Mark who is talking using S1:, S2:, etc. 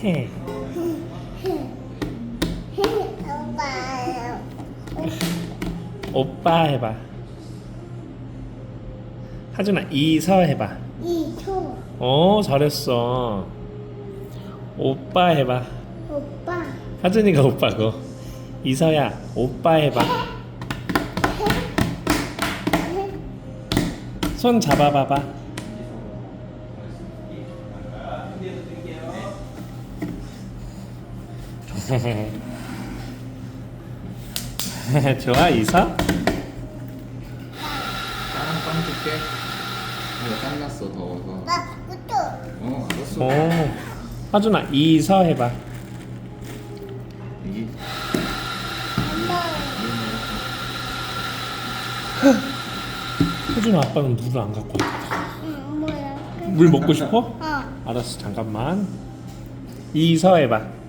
S1: 해. 오빠 해봐. 하준아 이서 해봐.
S2: 이초.
S1: 오 잘했어. 오빠 해봐.
S2: 오빠.
S1: 하준이가 오빠고. 이서야 오빠 해봐. 손 잡아봐봐. 좋아 이서?
S3: 빵 줄게. 땀 났어 더워서.
S2: 나 그것도.
S3: 알았어.
S1: 오 하준아 이서 해봐.
S3: 이게
S2: 엄마.
S1: 하준아 아빠는 물을 안 갖고 왔다.
S2: 응, 뭐야?
S1: 물 먹고 싶어?
S2: 어.
S1: 알았어 잠깐만. 이서 해봐.